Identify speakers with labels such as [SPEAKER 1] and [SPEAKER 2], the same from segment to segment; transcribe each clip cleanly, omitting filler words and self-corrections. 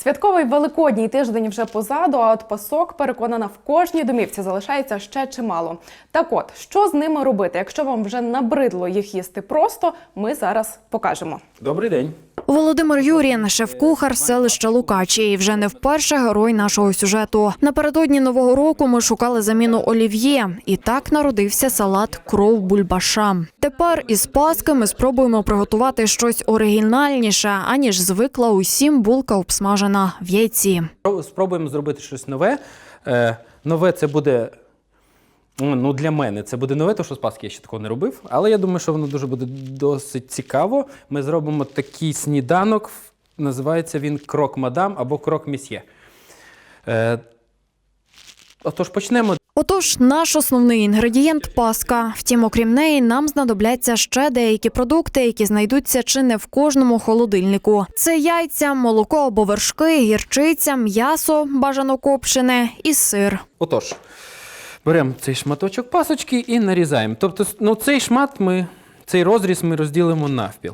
[SPEAKER 1] Святковий Великодній тиждень вже позаду, а от пасок, переконана, в кожній домівці залишається ще чимало. Так от, що з ними робити? Якщо вам вже набридло їх їсти просто, ми зараз покажемо.
[SPEAKER 2] Добрий день.
[SPEAKER 3] Володимир Юрін – шеф-кухар селища Лукачі і вже не вперше герой нашого сюжету. Напередодні Нового року ми шукали заміну олів'є. І так народився салат «Кров бульбаша». Тепер із Паски ми спробуємо приготувати щось оригінальніше, аніж звикла усім булка обсмажена в яйці.
[SPEAKER 2] Спробуємо зробити щось нове. Нове це буде, для мене це буде нове, тому що з Пасхи я ще такого не робив. Але я думаю, що воно дуже буде досить цікаво. Ми зробимо такий сніданок, називається він крок-мадам або крок-місьє. Отож, почнемо.
[SPEAKER 3] Отож, наш основний інгредієнт – паска. Втім, окрім неї, нам знадобляться ще деякі продукти, які знайдуться чи не в кожному холодильнику. Це яйця, молоко або вершки, гірчиця, м'ясо, бажано копчене і сир.
[SPEAKER 2] Отож, беремо цей шматочок пасочки і нарізаємо. Тобто, цей розріз ми розділимо навпіл.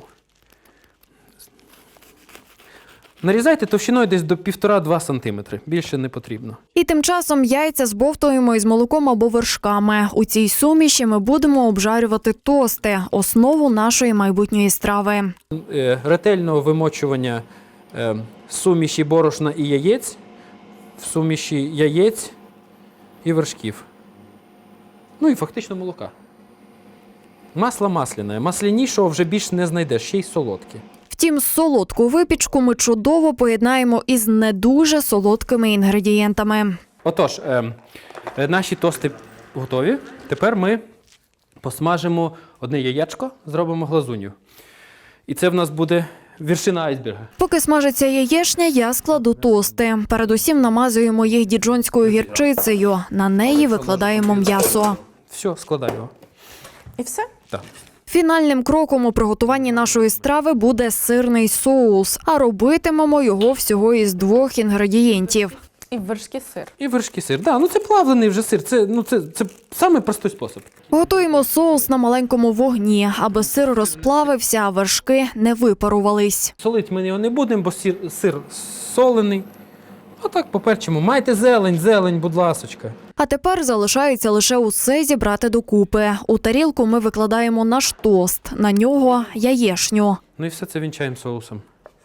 [SPEAKER 2] Нарізайте товщиною десь до 1,5-2 см. Більше не потрібно.
[SPEAKER 3] І тим часом яйця збовтуємо із молоком або вершками. У цій суміші ми будемо обжарювати тости – основу нашої майбутньої страви.
[SPEAKER 2] Ретельного вимочування суміші борошна і яєць, в суміші яєць і вершків. Ну і фактично молока. Масло масляне. Маслянішого вже більш не знайдеш, ще й солодке.
[SPEAKER 3] Втім, солодку випічку ми чудово поєднаємо із не дуже солодкими інгредієнтами.
[SPEAKER 2] Отож, наші тости готові. Тепер ми посмажимо одне яєчко, зробимо глазунью. І це в нас буде вершина айсберга.
[SPEAKER 3] Поки смажиться яєчня, я складу тости. Передусім намазуємо їх діджонською гірчицею. На неї викладаємо м'ясо.
[SPEAKER 2] Все, складаємо.
[SPEAKER 1] І все?
[SPEAKER 2] Так.
[SPEAKER 3] Фінальним кроком у приготуванні нашої страви буде сирний соус, а робитимемо його всього із 2 інгредієнтів.
[SPEAKER 1] І вершки сир.
[SPEAKER 2] І вершки сир. Да, це плавлений вже сир. Це самий простий спосіб.
[SPEAKER 3] Готуємо соус на маленькому вогні, аби сир розплавився, а вершки не випарувались.
[SPEAKER 2] Солити ми його не будемо, бо сир солений. Отак поперчимо. Майте зелень, будь ласочка.
[SPEAKER 3] А тепер залишається лише усе зібрати докупи. У тарілку ми викладаємо наш тост, на нього яєшню.
[SPEAKER 2] Ну і все це вінчаємо соусом.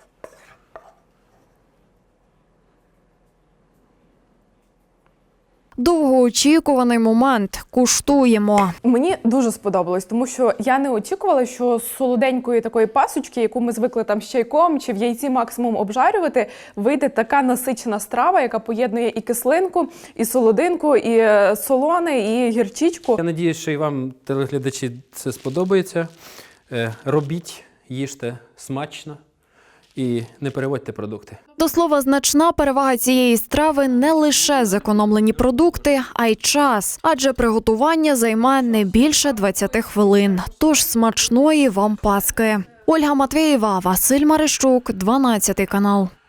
[SPEAKER 3] Довгоочікуваний момент. Куштуємо.
[SPEAKER 1] Мені дуже сподобалось, тому що я не очікувала, що з солоденької такої пасочки, яку ми звикли там з чайком чи в яйці максимум обжарювати, вийде така насичена страва, яка поєднує і кислинку, і солодинку, і солоне, і гірчичку.
[SPEAKER 2] Я сподіваюся, що і вам, телеглядачі, це сподобається. Робіть, їжте смачно і не переводьте продукти.
[SPEAKER 3] До слова, значна перевага цієї страви не лише зекономлені продукти, а й час. Адже приготування займає не більше 20 хвилин. Тож смачної вам Паски. Ольга Матвєєва, Василь Марищук, 12 канал.